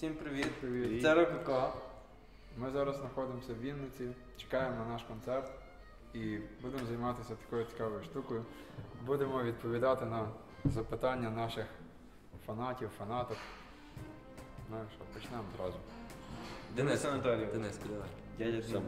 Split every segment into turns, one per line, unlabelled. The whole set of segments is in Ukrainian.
Всім привіт.
Привіт.
Це Рококо.
Ми зараз знаходимося в Вінниці, чекаємо на наш концерт і будемо займатися такою цікавою штукою. Будемо відповідати на запитання наших фанатів, фанаток. Ну що, почнемо одразу.
Денис Анатолійович.
Денис, давай.
Дядя Денис.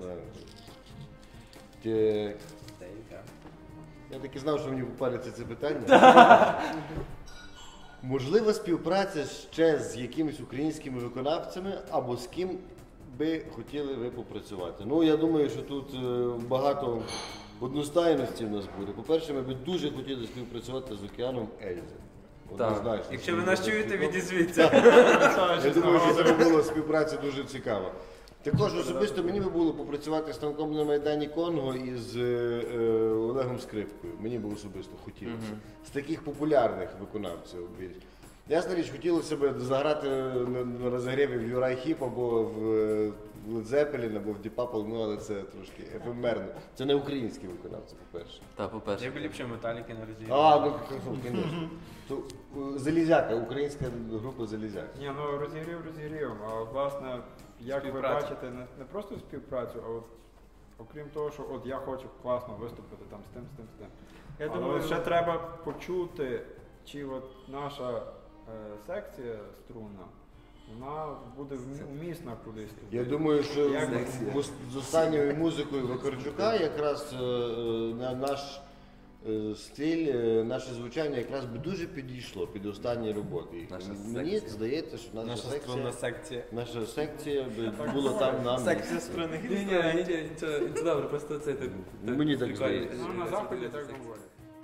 Так. Я так і знав, що мені попариться це питання. Можлива співпраця ще з якимись українськими виконавцями або з ким би хотіли ви попрацювати? Ну, я думаю, що тут багато одностайності в нас буде. По-перше, ми б дуже хотіли співпрацювати з Океаном Ельзи. Однозначно.
Якщо ви нас чуєте, відізвіться.
Я думаю, що це була співпраця дуже цікава. Також особисто мені би було попрацювати з танком на Майдані Конго і з Олегом Скрипкою. Мені би особисто хотілося. З таких популярних виконавців. Ясна річ, хотілося б заграти на розігріві в Юрай Хіп або в Led Zeppelin, або в Deep Purple, ну але це трошки ефемерно. Це не українські виконавці, по-перше.
Так, по-перше.
Я б ліпше Металіки на розігріві.
Ну, звісно. Залізяка, українська група Залізяка.
Ні, ну розігрів, а власне, як ви бачите, не просто співпрацю, а от окрім того, що от я хочу класно виступити там з тим.
Я
Але
думаю,
ще треба почути, чи от наша секція струнна, вона буде вмісна кудись.
Я думаю, що
Як
з останньою музикою Вакарчука якраз наш стиль, наше звучання якраз би дуже підійшло під останні роботи. Мені здається, що наша секція би була там на місці.
Секція струнних
Нічого, добре, просто це так.
Мені так здається.
Ну, на заході так говорять.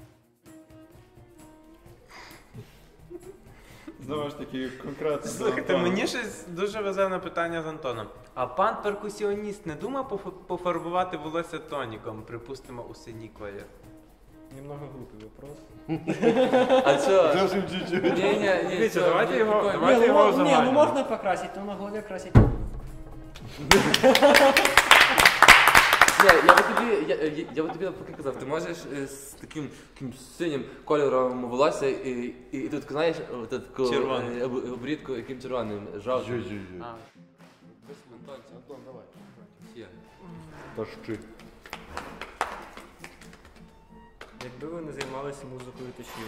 Знову ж таки, конкретно.
Слухайте, мені щось дуже везе на питання з Антоном. А пан перкусіоніст не думав пофарбувати волосся тоніком, припустимо, у синій колір?
Немного глупый вопрос.
А що?
Зовсім чуть-чуть.
Ні,
давайте його-
прикольно.
давайте його
Не,
узагальнимо.
ну можно покрасить, но на голове красить.
Все, я би тобі поки казав, ти можеш з таким синім кольором волосся і тут, знаєш,
Червоним.
обрідку яким червоним, жовтим.
Жу-жу-жу. Антон, давай.
Є.
Тащи.
Якби ви не займалися музикою, то чим?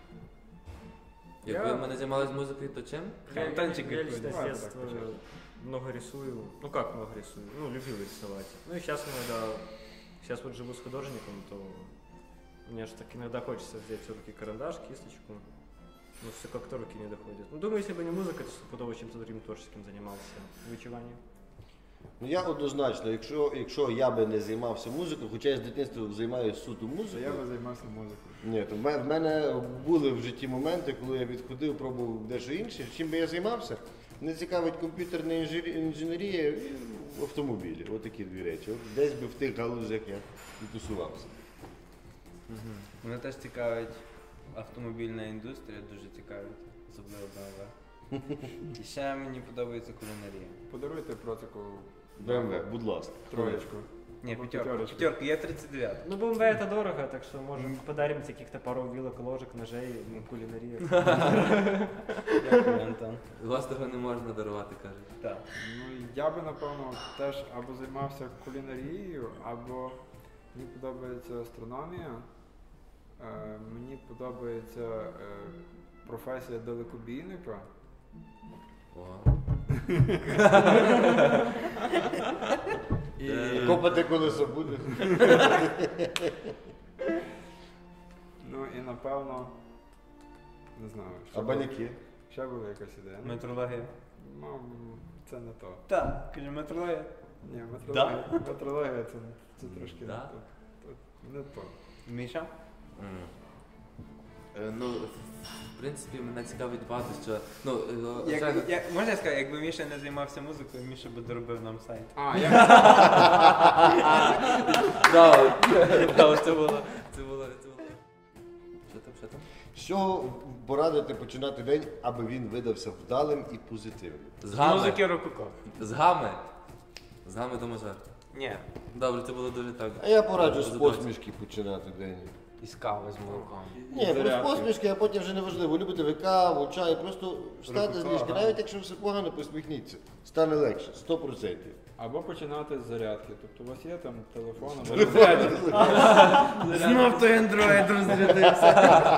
Якби ми не займалися музикою, то чим?
Танчик
Я
какой-то.
лично с
Давай
детства
так, пожалуйста.
много рисую. Ну как много рисую? Ну, любил рисовать. Ну и сейчас иногда, сейчас вот живу с художником, то мне же так иногда хочется взять все-таки карандаш, кисточку. Но все как-то руки не доходят. Ну, думаю, если бы не музыка, то стопудово чем-то другим творческим занимался. Вычеванием.
Ну я однозначно, якщо я би не займався музикою, хоча я з дитинства займаюся суто
То я
музикою.
би займався музикою.
Ні, то в мене були в житті моменти, коли я відходив, пробував дещо інше. Чим би я займався? Мене цікавить комп'ютерна інженерія і автомобілі. Отакі дві речі. От десь би в тих галузях я і тусувався.
Мене теж цікавить автомобільна індустрія, дуже цікавить, особливо BMW. І ще мені подобається кулінарія.
Подаруйте Процику
БМВ, будь ласка.
троєчку.
Ні,
Або
п'ятерка, я 39.
Ну, БМВ это дорого, так что можем подарим каких-то пару вилок, ложек, ножей, ну, кулинария.
Дякую, Антон.
Власного не можна дарувати, кажуть.
Так.
Ну, я би, напевно, теж або займався кулінарією, або мені подобається астрономія, мені подобається професія далекобійника.
О.
І,
Копати колесо будеш?
ну і напевно, не знаю,
А баняки?
ще була якась ідея. Ну,
Метрологія.
це не то.
Так, кажу, метрологія.
Ні,
Да?
метрологія це трошки
Да?
не то. Не то.
Міша?
Ну, в принципі, мене цікавить багато, що... Ну,
Можна я скажу, якби Міша не займався музикою, Міша би доробив нам сайт.
Це було... Що там?
Що порадити починати день, аби він видався вдалим і позитивним?
З
З
гами.
музики Рококо.
З гами. З гами до мажор.
Ні.
Добре, це було дуже так.
А я пораджу з
Задовольство.
посмішки починати день.
із кави з молоком.
Ні, просто
Зарядки.
посмішки, а потім вже не важливо. Любите ви каву, чай, просто встати з
Ага.
ліжка. Навіть якщо все погано, посміхніться. Стане легше, 100%.
Або починати з зарядки. Тобто у вас є там телефон, або
Знов той андроїд розрядився.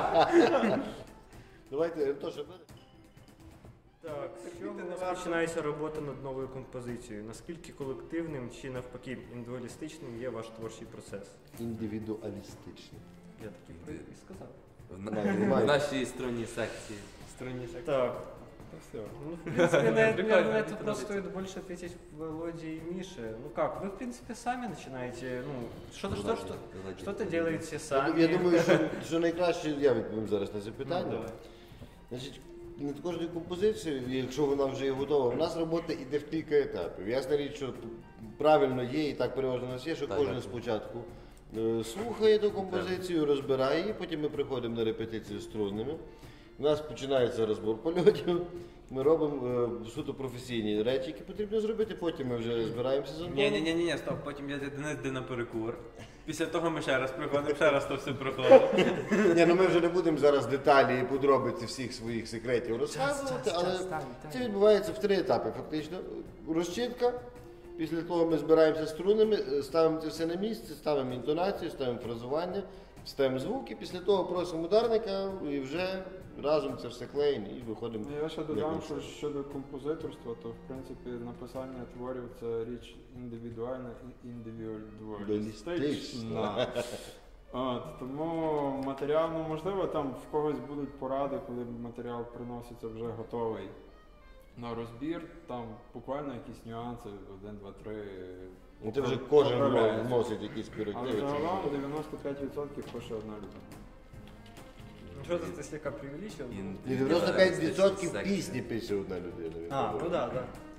Давайте, Антоша, бери.
Так, з чого розпочинається робота над новою композицією? Наскільки колективним чи навпаки індивідуалістичним є ваш творчий процес?
Індивідуалістичний.
Я такий і сказав.
В нашій струнній секції.
Так.
Та все.
Ну, в принципе, на это
Прикольно,
это
прикольно.
просто стоит больше ответить Володе и Мише. Ну как, вы, в принципе, сами начинаете, ну, что-то делаете сами.
Я думаю, що найкраще я відповім зараз на це
Ну,
питання.
давай.
Значить, над кожною композицією, якщо вона вже є готова, в нас робота йде в кілька етапів. Ясна річ, що правильно є, і так переважно у нас є, що
Так,
кожен
так.
спочатку слухає ту композицію, розбирає її, потім ми приходимо на репетицію з струнними. У нас починається розбор польотів, ми робимо суто професійні речі, які потрібно зробити, потім ми вже збираємося з Антоном.
Ні, стоп, потім я Денис йде на перекур. Після того ми ще раз приходимо, ще раз то все проходимо.
Ні, ну ми вже не будемо зараз деталі і подробиці всіх своїх секретів розказувати, але це відбувається в 3 етапи фактично. Розчітка, після того ми збираємося з струнами, ставимо це все на місце, ставимо інтонацію, ставимо фразування, ставимо звуки, після того просимо ударника і вже разом це все клеїмо і виходимо.
Я ще
як
додам,
ми
що
це.
щодо композиторства, то в принципі написання творів це річ індивідуальна і індивідуалістична. От, тому матеріал, ну можливо, там в когось будуть поради, коли матеріал приноситься вже готовий на розбір, там буквально якісь нюанси, 1, 2, 3.
Ну, це вже кожен
поправляється.
вносить якісь
Але
корективи.
загалом 95% пише одна людина.
Ну, что-то ты слегка преувеличил.
І 95% пісні пише одна людина.
А, ну да.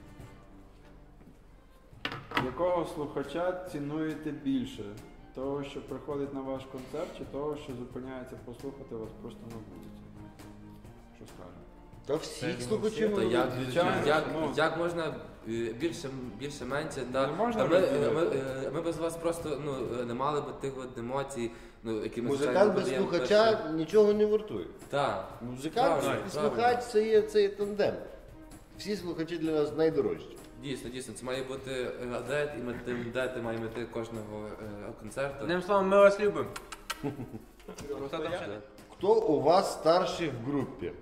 Якого слухача цінуєте більше? Того, що приходить на ваш концерт, чи того, що зупиняється послухати вас просто на вулиці? Що скажете?
Та всіх слухачів.
То як,
Звичайно, ну.
як можна більше менше, да.
Не можна
Та ми,
розділити.
ми без вас просто не мали б тих от емоцій, які ми
Музикант без слухача нічого не вартує.
Так.
Музикант
Правильно,
і слухач це є тандем. Всі слухачі для нас найдорожчі.
Дійсно, це має бути адет, і ми тим дати маємо йти кожного концерту.
Одним словом, ми вас любимо. Хто там ще?
Хто у вас старший в групі?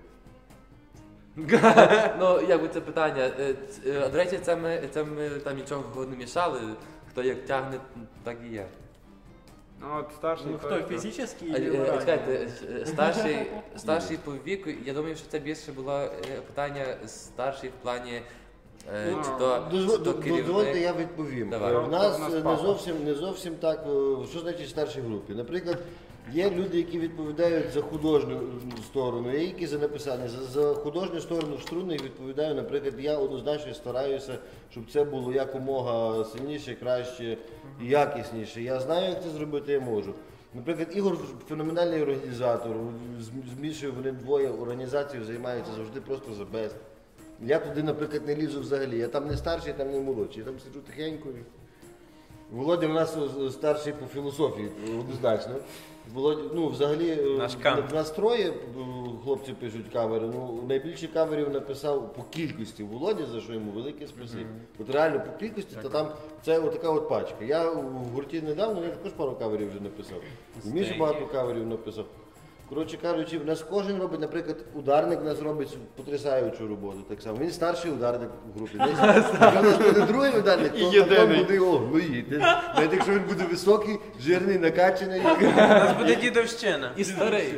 Ну, якби це питання. До речі, це ми там нічого не мішали. Хто як тягне, так і є.
Ну, от старший
Ну, кто,
той,
физически или морально?
Чекайте, старший по віку, я думаю, що це більше було питання старший в плані
Ну,
чи то
Дозвольте,
керівник.
я відповім.
Давай.
У нас
У нас
не
папа.
зовсім так, що значить старшій групі. Наприклад, є люди, які відповідають за художню сторону, є які за написання. За художню сторону струнних відповідаю, наприклад, я однозначно стараюся, щоб це було якомога сильніше, краще і якісніше. Я знаю, як це зробити, я можу. Наприклад, Ігор феноменальний організатор, з Мішею вони двоє організацією займаються завжди просто за бест. Я туди, наприклад, не лізу взагалі. Я там не старший, там не молодший. Я там сиджу тихенько. Володя у нас старший по філософії, однозначно. Володя, ну, взагалі,
Наш Кант.
в нас троє хлопці пишуть кавери. Ну, найбільше каверів написав по кількості Володя, за що йому велике спасибі. От реально по кількості, то там це отака от пачка. Я в гурті недавно, я також пару каверів вже написав. І Міша багато каверів написав. Коротше кажучи, в нас кожен робить, наприклад, ударник в нас робить потрясаючу роботу. Так само. Він старший ударник в групі. Якщо в нас буде другий ударник, то Антон буде його глуїти. Навіть якщо він буде високий, жирний, накачаний.
У нас буде дідовщина.
І старий.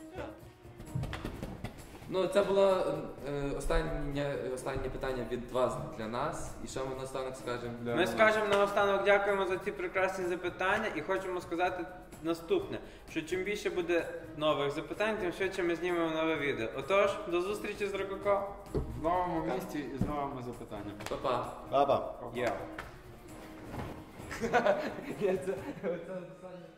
Ну, це було останнє питання від вас для нас. І що ми наостанок скажемо?
Ми скажемо наостанок дякуємо за ці прекрасні запитання і хочемо сказати наступне, що чим більше буде нових запитань, тим швидше ми знімемо нове відео. Отож, до зустрічі з Рококо.
в новому місті і з новими запитаннями.
Па-па.
Папа.
Є.
Я це